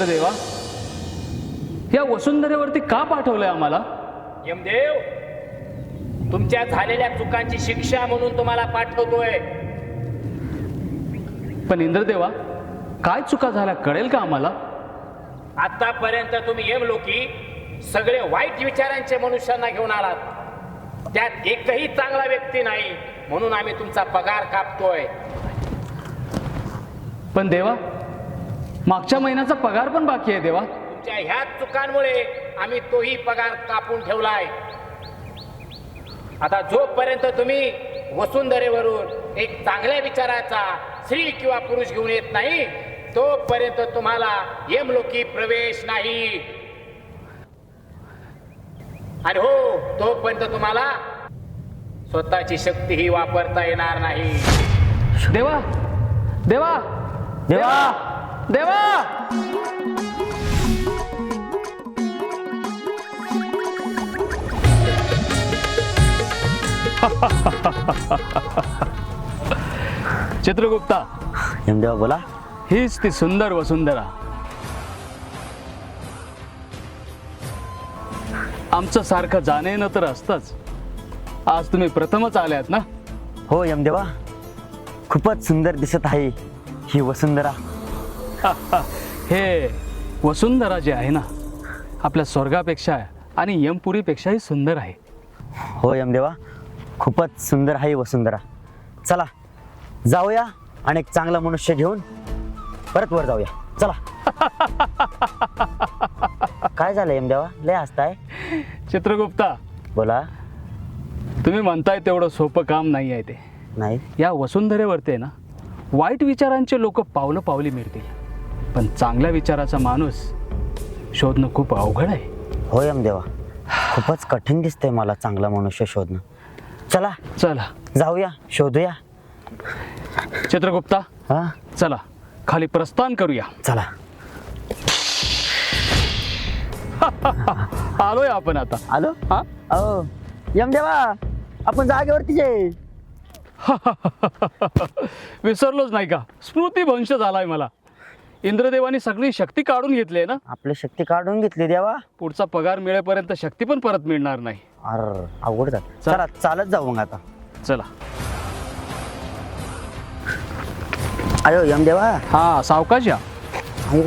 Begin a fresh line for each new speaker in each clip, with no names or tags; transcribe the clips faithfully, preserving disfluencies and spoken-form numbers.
इंद्रदेवा, या वसुंधरेवरती का पाठवलंय आम्हाला?
यमदेव, तुमच्या झालेल्या चुकांची शिक्षा म्हणून तुम्हाला पाठवतोय.
पण इंद्रदेवा, काय चुका झाल्या कळेल का आम्हाला?
आतापर्यंत तुम्ही यमलोकी सगळे वाईट विचारांचे मनुष्यांना घेऊन आलात. त्यात एकही चांगला व्यक्ती नाही, म्हणून आम्ही तुमचा पगार कापतोय.
पण देवा, मागच्या महिन्याचा पगार पण बाकी आहे देवा.
तुमच्या ह्याच चुकांमुळे आम्ही तोही पगार कापून ठेवलाय. आता जोपर्यंत तुम्ही वसुंधरेवरून एक चांगल्या विचाराचा स्त्री किंवा पुरुष घेऊन येत नाही, तोपर्यंत तुम्हाला यमलोकी प्रवेश नाही. आणि हो, तोपर्यंत तुम्हाला स्वतःची शक्तीही वापरता येणार नाही.
देवा देवा देवा देवा चित्रगुप्ता,
यमदेवा बोला.
हीच ती सुंदर वसुंधरा. आमचं सारखं जाणं येणं तर असतंच. आज तुम्ही प्रथमच आल्यात ना?
हो यमदेवा, खूपच सुंदर दिसत आहे ही वसुंधरा.
हे वसुंधरा जे आहे ना, आपल्या स्वर्गापेक्षा आणि यमपुरीपेक्षाही सुंदर आहे.
हो यमदेवा, खूपच सुंदर आहे वसुंधरा. चला जाऊया आणि एक चांगला मनुष्य घेऊन परत वर जाऊया. चला. काय झालं यमदेवा, लय हसताय?
चित्रगुप्ता,
बोला.
तुम्ही म्हणताय तेवढं सोपं काम नाही आहे ते.
नाही.
या वसुंधरेवरती आहे ना, वाईट विचारांचे लोक पावलं पावली मिळतील, पण चांगल्या विचाराचा माणूस शोधणं खूप अवघड आहे.
हो यमदेवा, खूपच कठीण दिसतंय मला चांगला मनुष्य शोधणं. चला
चला
जाऊया, शोधूया.
चित्रगुप्ता,
हा
चला खाली प्रस्थान करूया.
चला.
आलोय आपण आता.
आलो.
हा
अहो यमदेवा, आपण जागेवरतीच आहे.
विसरलोच नाही का? स्मृतिभ्रंश झालाय मला. इंद्रदेवानी सगळी शक्ती काढून घेतली आहे ना.
आपली शक्ती काढून घेतली देवा.
पुढचा पगार मिळेपर्यंत शक्ती पण परत मिळणार नाही.
अर अवघड झालं.
चल.
चला चालत जाऊ मग आता.
चला.
अयो यमदेवा.
हा, सावकाश या.
अयो.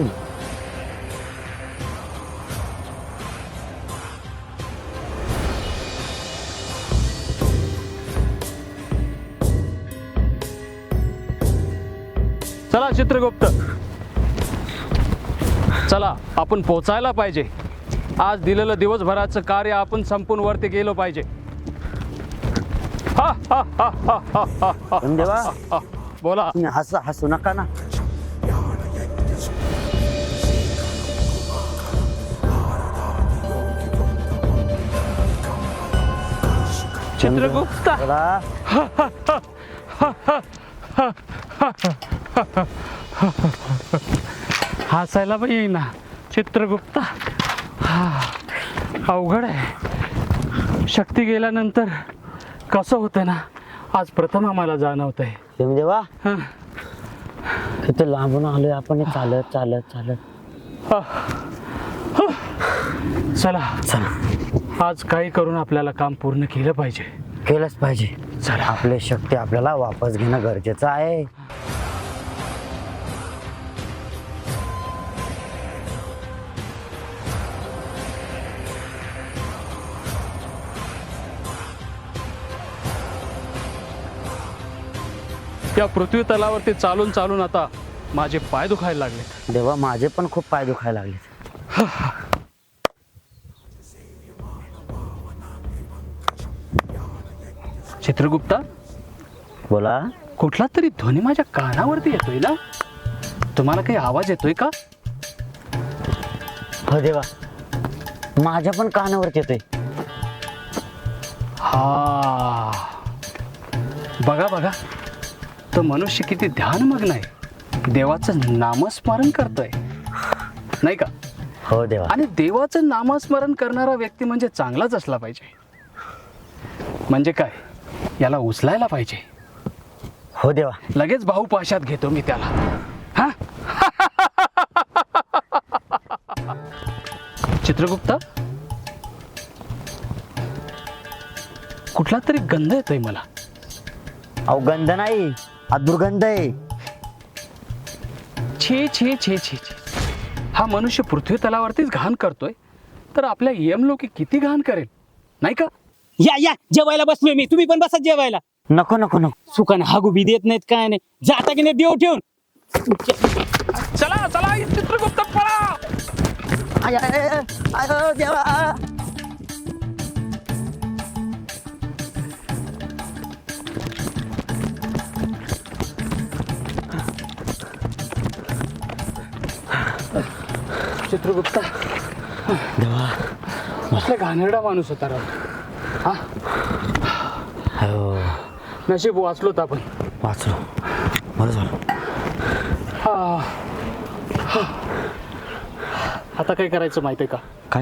चला चित्रगुप्त, चला आपण पोचायला पाहिजे. आज दिलेलं दिवसभराचं कार्य आपण संपून वरती गेलो पाहिजे. हा, हा, हा, हा, हा, हा, हा.
यमदेवा,
हा, बोला.
तुम्ही हसू हसू नका ना.
चित्रगुप्त,
बोला.
हसायला पण येईना. चित्रगुप्ता, हा अवघड आहे. शक्ती गेल्यानंतर कसं होतं ना, आज प्रथम आम्हाला जाणवत आहे.
यमदेवा, किती लांबून आलोय आपण चालत चालत चालत.
चला
चला,
आज काही करून आपल्याला काम पूर्ण केलं पाहिजे.
केलंच पाहिजे.
चला.
आपली शक्ती आपल्याला वापस घेणं गरजेचं आहे.
या पृथ्वी तलावरती चालून चालून आता माझे पाय दुखायला लागले.
देवा, माझे पण खूप पाय दुखायला लागले.
चित्रगुप्ता,
बोला.
कुठला तरी ध्वनी माझ्या कानावरती येतोय ना. तुम्हाला काही आवाज येतोय का?
हो देवा, माझ्या पण कानावरती येतोय.
हा, बघा बघा, तो मनुष्य किती ध्यानमग्न आहे. देवाचं नामस्मरण करतोय, नाही का?
हो देवा.
आणि देवाचं नामस्मरण करणारा व्यक्ती म्हणजे चांगलाच असला पाहिजे. म्हणजे काय, याला उचलायला पाहिजे.
हो देवा.
लगेच भाऊ पाशात घेतो मी त्याला. हा चित्रगुप्ता, कुठला तरी गंध येतोय मला.
अहो गंध नाही, हा दुर्गंध आहे.
छे छे छे छे छे. हा मनुष्य पृथ्वी तलावरतीच घाण करतोय, तर आपल्या यमलोकी किती घाण करेल, नाही का?
या या जेवायला बसलोय मी, तुम्ही पण बसा जेवायला.
नको नको नको.
सुखाने हागू बी देत नाहीत काय नाही, जाता की नाही देव ठेवून.
चला चला चित्रगुप्त पळा.
आय, आय, आय, आय, देवा.
चित्रगुप्ता,
देवा.
कसला घाणेरडा माणूस होता राव. हा,
हो,
नशीब वाचलोत आपण.
वाचलो, बरं झालं.
हा. हा. आता काय करायचं माहिती आहे का?
काय?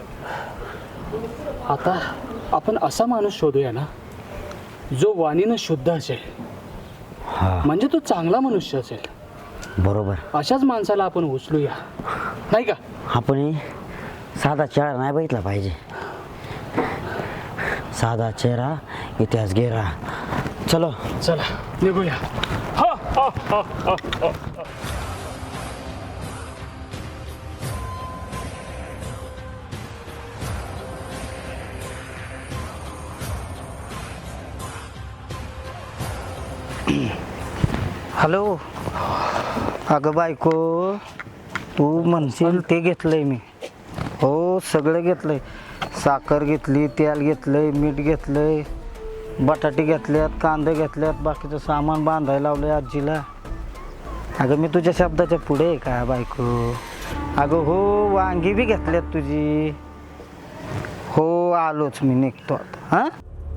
आता आपण असा माणूस शोधूया ना, जो वाणीनं शुद्ध असेल,
हा,
म्हणजे तो चांगला मनुष्य असेल.
बरोबर.
अशाच माणसाला आपण उचलूया, नाही का?
आपण साधा चेहरा नाही बघितला पाहिजे. साधा चेहरा इतिहास गेरा. चलो
चला निघूया. हा, हा, हा, हा, हा.
हॅलो. अगं बायको, तू म्हणशील ते घेतलंय मी. हो, सगळं घेतलंय. साखर घेतली, तेल घेतलंय, मीठ घेतलंय, बटाटे घेतल्यात, कांदे घेतल्यात, बाकीचं सामान बांधायला लावलंय आजीला. अगं मी तुझ्या शब्दाच्या पुढे आहे का बायको? अगं हो, वांगी बी घेतल्यात तुझी. हो, आलोच मी, निघतो आता. हां,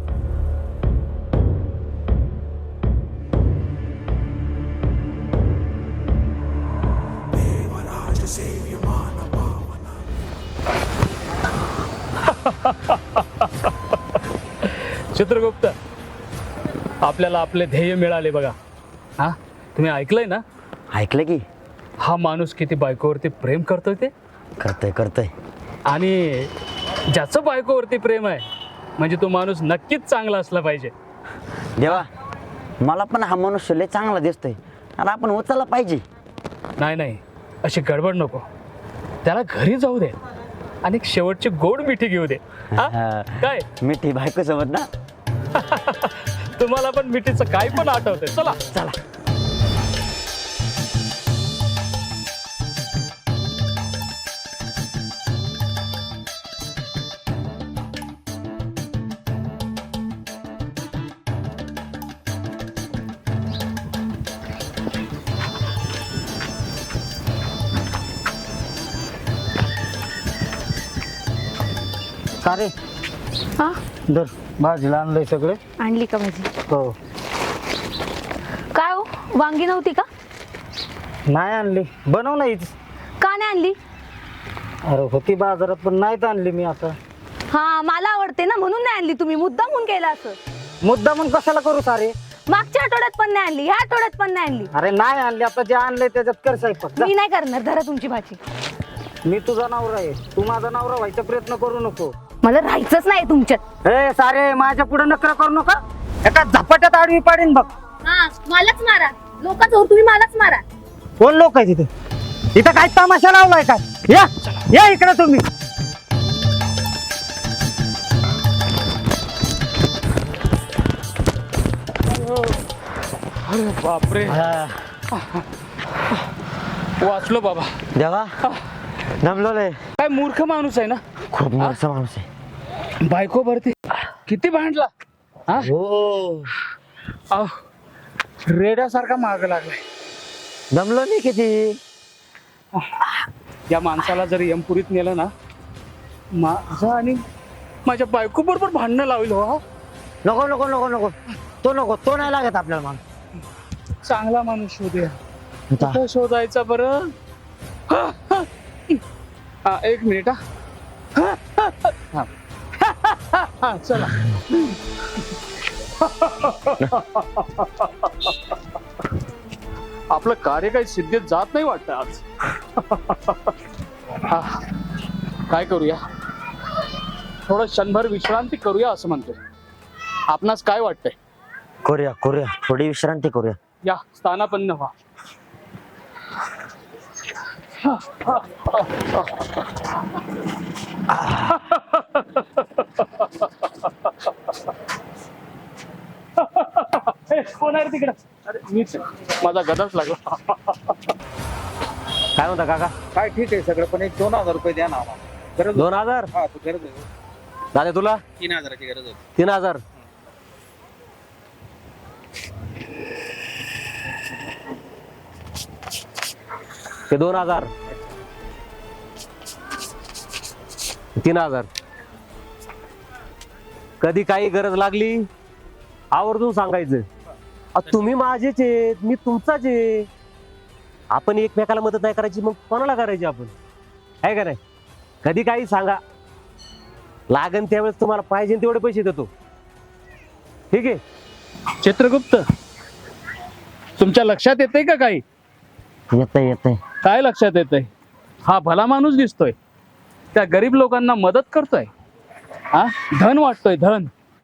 चित्रगुप्त, आपल्याला आपले ध्येय मिळाले बघा. हा, तुम्ही ऐकलंय ना?
ऐकलं की.
हा माणूस किती बायकोवरती प्रेम करतोय ते.
करतोय करतोय.
आणि ज्याचं बायकोवरती प्रेम आहे, म्हणजे तो माणूस नक्कीच चांगला असला पाहिजे.
देवा, मला पण हा मनुष्य लय चांगला दिसतोय, आणि आपण उचलला पाहिजे.
नाही नाही, अशी गडबड नको. त्याला घरी जाऊ दे आणि एक शेवटची गोड मिठी घेऊ दे. हा? काय
मिठी बायको सोबत ना.
तुम्हाला पण मिठीचं काय पण आठवतंय. चला
चला.
का रे?
हा,
दर भाजीला आणलंय सगळे.
आणली का भाजी?
हो.
काय हो, वांगी नव्हती का?
नाही आणली, बनव नाहीच.
का नाही आणली?
अरे होती बाजारात, पण नाहीच आणली मी आता.
हा, मला आवडते ना म्हणून नाही आणली. तुम्ही मुद्दाम म्हणून केला असं.
मुद्दा म्हणून कशाला करू सारे?
मागच्या आठवड्यात पण नाही आणली, ह्या आठवड्यात पण नाही आणली.
अरे नाही आणली, आता जे आणलंय त्याच्यात कर स्वयंपाक. जा.
मी नाही करणार, धरा तुमची भाजी.
मी तुझा नवरा आहे, तू माझा नवरा व्हायचा प्रयत्न करू नको.
मला राहायचंच नाही तुमच्यात.
ए सारे, माझ्या पुढे नकर करू नका. एका झपाट्यात आडवी पाडीन बघ.
हा, मलाच मारा. लोकांचं तुम्ही मलाच मारा.
कोण लोक आहे तिथे? इथं काय तमाशा लावलाय काय? या या इकडे तुम्ही.
अरे बापरे, वाचलो बाबा.
देवा, दमलो लय.
काय मूर्ख माणूस आहे ना.
खूप मोठा माणूस आहे.
बायको भरती किती भांडला. हा,
हो,
अहो, रेड्यासारखा माग लागलाय.
दमलो नाही किती.
या माणसाला जर यमपुरीत नेलं ना, माझा आणि माझ्या बायको बरोबर भांडणं लावलं. हो,
नको नको नको नको, तो नको, तो नाही लागत आपल्याला. मग
चांगला माणूस शोधूया.
आता
कुठं शोधायचा बरं? हा, हा. हा, एक मिनिट. हा. हा. हा, हा, चला. आपलं कार्य काही सिद्धीत जात नाही वाटतं आज. हा. काय करूया, थोडं क्षणभर विश्रांती करूया असं म्हणतोय. आपणास काय वाटतंय?
करूया करूया थोडी विश्रांती करूया.
या स्थानापन्न व्हा. ए, कोण आहे रे तिकडं? अरे मीच आहे. माझा गदाच लागला.
काय म्हणता काका?
काय ठीक आहे सगळं, पण एक दोन हजार रुपये द्या ना आम्हाला. गरज
दोन हजार
हा तू गरज आहे.
दादा तुला
तीन हजाराची गरज आहे.
तीन हजार ते दोन हजार तीन हजार कधी काही गरज लागली आवर्जून सांगायचं. अ, तुम्ही माझेच आहेत, मी तुमचाच आहे. आपण एकमेकाला मदत नाही करायची मग कोणाला करायची आपण, आहे का नाही? कधी काही सांगा, लागन त्यावेळेस तुम्हाला पाहिजे तेवढे पैसे देतो. ठीक आहे?
चित्रगुप्त, तुमच्या लक्षात येते का काही?
येतंय येतंय.
काय लक्षात येतंय? हा भला माणूस दिसतोय, त्या गरीब लोकांना मदत करतोय. हा धन वाटतोय, धन.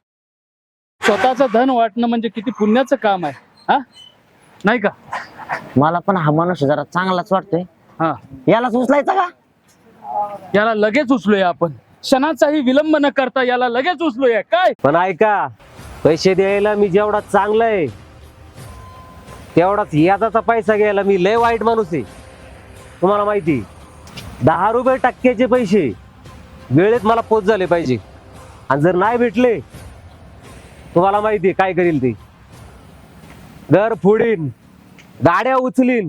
स्वतःचं धन वाटणं म्हणजे किती पुण्याचं काम आहे, हा नाही का?
मला पण हा माणूस जरा चांगलाच वाटतोय.
हा,
यालाच उचलायचा का?
याला लगेच उचलूया आपण. क्षणाचाही विलंब न करता याला लगेच उचलूया. काय
पण ऐका, पैसे द्यायला मी जेवढा चांगला आहे तेवढाच याचा पैसा घ्यायला मी लय वाईट माणूस आहे. तुम्हाला माहिती, दहा रुपये टक्क्याचे पैसे वेळेत मला पोच झाले पाहिजे. आणि जर नाही भेटले, तुम्हाला माहिती काय करील ते. घर फोडीन, गाड्या उचलीन,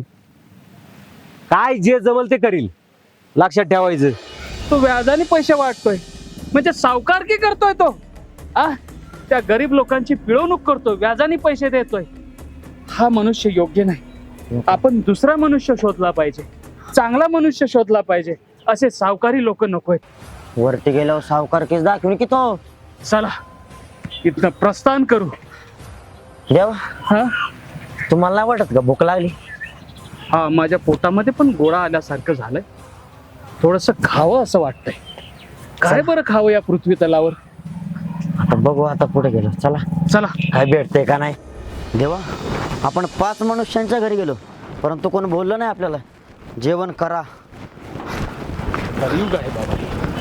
काय जे जमल ते करील. लक्षात ठेवायचं.
तो व्याजाने पैसे वाटतोय म्हणजे सावकारकी करतोय तो. आ त्या गरीब लोकांची पिळवणूक करतोय, व्याजाने पैसे देतोय. हा मनुष्य योग्य नाही. आपण दुसरा मनुष्य शोधला पाहिजे, चांगला मनुष्य शोधला पाहिजे. असे सावकारी लोक नकोय.
वरती गेल्यावर सावकार केस दाखवून की तो.
चला इथनं प्रस्थान करू.
देवा,
हा
तुम्हाला नाही वाटत का भूक लागली?
हा, माझ्या पोटामध्ये पण गोळा आल्यासारखं झालंय. थोडस खावं असं वाटतंय. काय बरं खावं या पृथ्वी तलावर?
आता बघू, आता पुढे गेलो. चला
चला.
काय भेटतंय का नाही. देवा, आपण पाच मनुष्यांच्या घरी गेलो परंतु कोण बोललं नाही आपल्याला. जेवण करा.
कलियुग आहे बाबा.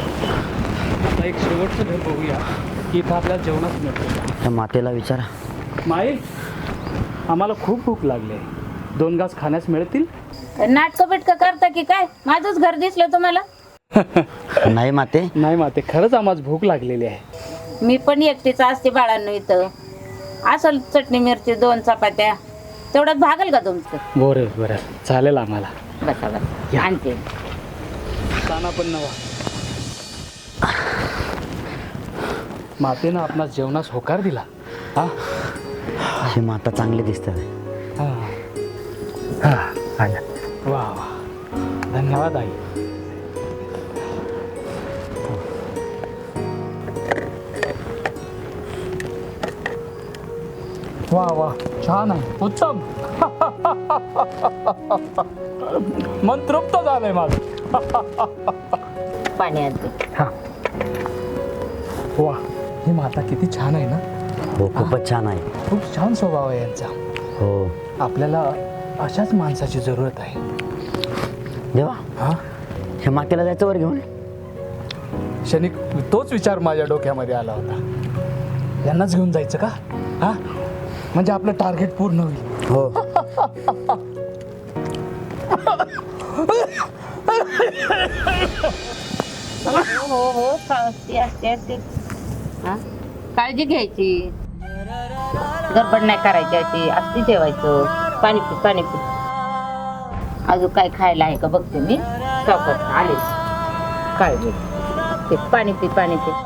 आता एक शेवटचं घर बघूया की इथं आपल्याला जेवणाच मिळतं.
त्या मातेला विचारा.
माई, आम्हाला खूप भूक लागली आहे. दोन घास खाण्यास मिळतील?
नाटक बिटक करता की काय? माझंच घर दिसलं तुम्हाला?
नाही माते.
नाही माते, खरंच आम्हाला भूक लागलेली आहे.
मी पण एकटीच असते बाळांनो इथं. असल चटणी मिरची दोन चपात्या तेवढ्यात भागल का तुमचं?
बरं बरं, चालेल आम्हाला.
बसा बसा, आणते.
ताना पण नवा. मातेनं आपणास जेवणास होकार दिला. हा
ही माता चांगली दिसते.
हा हा, आल्या. वा वा, धन्यवाद आई. वा वा, छान आहे, उत्तम. मन तृप्त झालंय माझं.
पाणी आणते.
वा, ही माता किती छान आहे ना.
हो, खूपच छान आहे.
खूप छान स्वभाव आहे यांचा.
हो.
आपल्याला अशाच माणसाची जरूरत आहे.
देवा,
हा,
हे मातेला जायचं वर घेऊन.
क्षणिक तोच विचार माझ्या डोक्यामध्ये आला होता. यांनाच घेऊन जायचं का? हा, म्हणजे आपलं टार्गेट पूर्ण होईल.
हो.
हो हो, असते असते असते. हा, काळजी घ्यायची, गडबड नाही करायची. अशी असती जेवायचं. पाणी पी पाणी पी. अजून काय खायला आहे का बघते मी. चौकात आले. काळजी ते पाणी पी पाणी पी.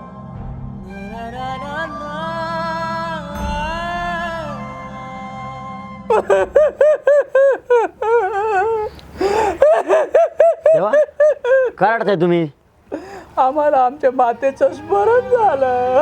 देवा, काय रडताय तुम्ही?
आम्हाला आमच्या मातेचं स्मरण झालं.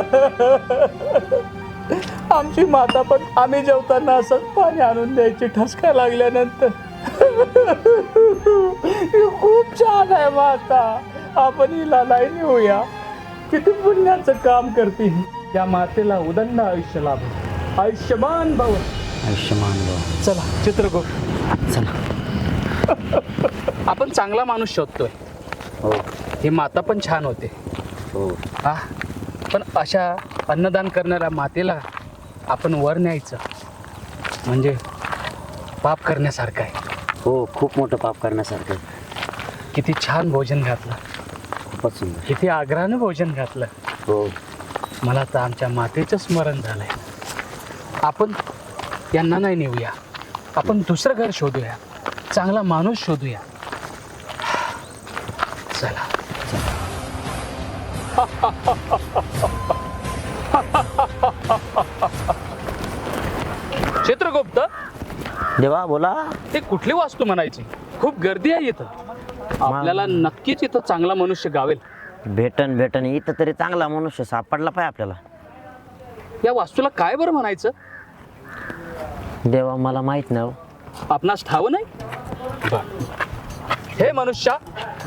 आमची माता पण आम्ही जेवताना असंच पाणी आणून द्यायची ठसका लागल्यानंतर. खूप छान आहे माता. आपण हिला नाही नेऊया. किती पुण्याचं काम करते ही. त्या मातेला उदंड आयुष्य लाभो. आयुष्यमान भव.
आयुष्यमान भाऊ.
चला चित्रगुप्त,
चला.
आपण चांगला माणूस शोधतोय.
हो
ही माता पण छान होते.
हो.
हा, पण अशा अन्नदान करणाऱ्या मातेला आपण वर न्यायचं म्हणजे पाप करण्यासारखं आहे.
हो खूप मोठं पाप करण्यासारखं.
किती छान भोजन घातलं,
खूपच सुंदर.
किती आग्रहानं भोजन घातलं.
हो
मला तर आमच्या मातेचं स्मरण झालंय. आपण यांना नाही नेऊया, आपण दुसरं घर शोधूया, चांगला माणूस शोधूया. चला. चित्रगुप्त,
देवा बोला.
ते कुठली वास्तू म्हणायची? खूप गर्दी आहे इथं. आपल्याला नक्कीच इथं चांगला मनुष्य गावेल.
भेटन भेटन इथं तरी चांगला मनुष्य सापडला पाहिजे आपल्याला.
या वास्तूला काय बरं म्हणायचं?
देवा मला माहित नाही.
आपणास ठाव नाही? हे मनुष्या,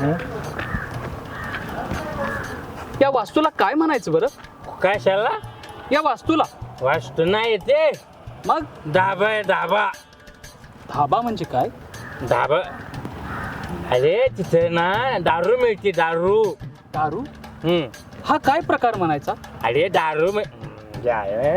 या वास्तूला काय म्हणायचं बरं?
कशाला?
या वास्तूला
वास्तू नाही ते
मग
धाबा आहे, धाबा.
धाबा म्हणजे काय?
धाबा, अरे तिथे ना दारू मिळते, दारू.
दारू?
हम्म.
हा काय प्रकार म्हणायचा?
अरे दारू मिळ- काय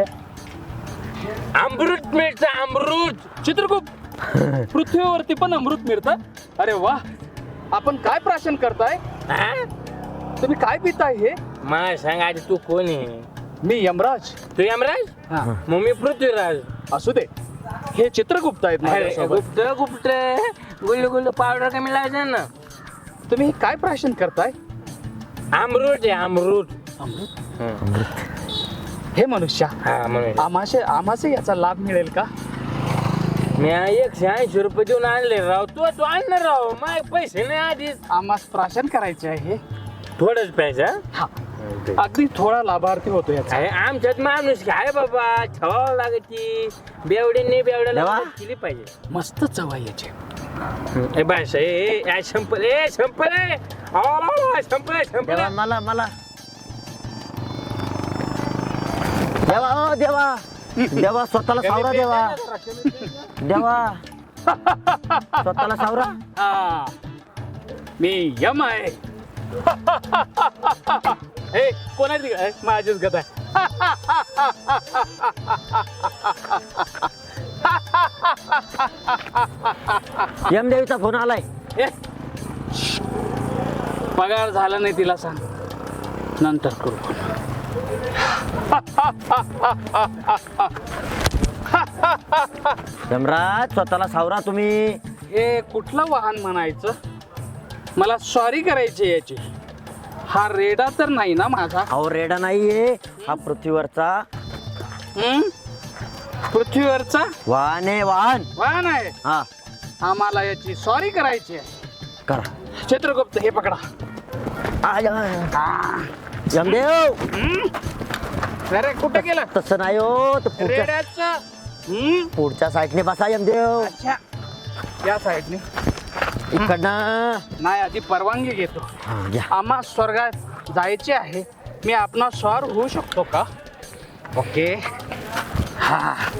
अमृत मिळतं, अमृत.
चित्रगुप्त, पृथ्वीवरती पण अमृत मिळतं? अरे वा, आपण काय प्राशन करताय?
हा?
तुम्ही काय पिताय हे?
मला सांग आधी तू कोण आहे?
मी यमराज.
तू यमराज?
हा,
मग मी पृथ्वीराज.
असू दे. हे चित्रगुप्त आहेत
अरे
माझ्यासोबत.
गुप्त गुप्त गुल्लू गुल्लू पावडर कमी लावायचं ना.
तुम्ही हे काय प्राशन करताय?
अमृत आहे, अमृत.
अमृत. हे मनुष्या,
हा म्हणून
आम्हाशे आम्हासे याचा लाभ मिळेल का?
मी एकशे ऐंशी रुपये देऊन आणले राव. तू तू आणणार राव, मग पैसे नाही आधीच.
आम्हास प्राशन करायचे आहे.
थोडंच पैसा.
हा, अगदी थोडा लाभार्थी होतो याचा.
अरे आमच्यात माणूस काय बाबा, छवावं लागती. बेवडीने बेवड्याला
देवा.
मदत केली पाहिजे.
मस्त चव आहे याची.
ए बाशा, ए ए संपल, ए संपल, ए आ, संपल संपल.
देवा मला मला देवा ओ देवा देवा स्वतःला सावरा. देवा देवा स्वतःला सावरा.
हा, मी यम आहे. हे कोणाची आहे? माझीच गत आहे.
यमदेवीचा फोन आलाय.
ए, पगार झाला नाही तिला सांग, नंतर करू.
यमराज स्वतःला सावरा तुम्ही.
हे कुठलं वाहन म्हणायचं? मला सॉरी करायची याची. हा रेडा तर नाही ना माझा?
अहो रेडा नाहीये, हा पृथ्वीवरचा
हं? पृथ्वीवरचा
वाहन आहे. वाहन
वाहन आहे.
हा
आम्हाला याची सॉरी करायची आहे.
करा.
चित्रगुप्त, हे पकडा.
आ, य- यमदेव
अरे कुठे गेलं
तसं नाही हो. तर पुढच्या
रेड्याचं? हं?
पुढच्या साईडने बसा यमदेव.
अच्छा, या साईडने
इकडनं
नाही, आधी परवानगी घेतो.
हा, घ्या.
आम्हा स्वर्गात जायचे आहे. मी आपणा स्वार होऊ शकतो का? ओके. हा.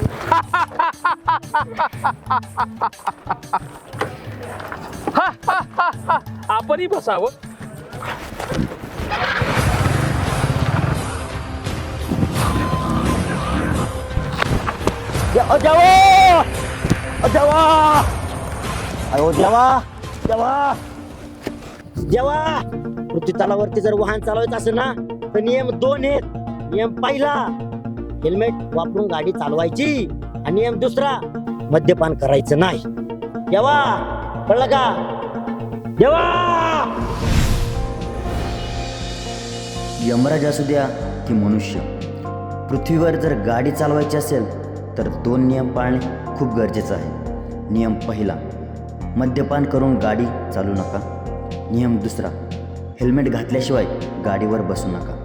हा, हा, हा, हा. आपणही बसावं.
या- अ, देवा अ, देवा अयो देवा देवा देवा पृथ्वी तलावरती जर वाहन चालवायचं असेल ना तर नियम दोन आहेत. नियम पहिला, हेल्मेट वापरून गाडी चालवायची. आणि नियम दुसरा, मद्यपान करायचं नाही. देवा कळलं का? देवा
यमराज असू द्या की मनुष्य, पृथ्वीवर जर गाडी चालवायची असेल तर दोन नियम पाळणे खूप गरजेचं आहे. नियम पहिला, मद्यपान करून गाडी चालू नका. नियम दुसरा, हेल्मेट घातल्याशिवाय गाडीवर बसू नका.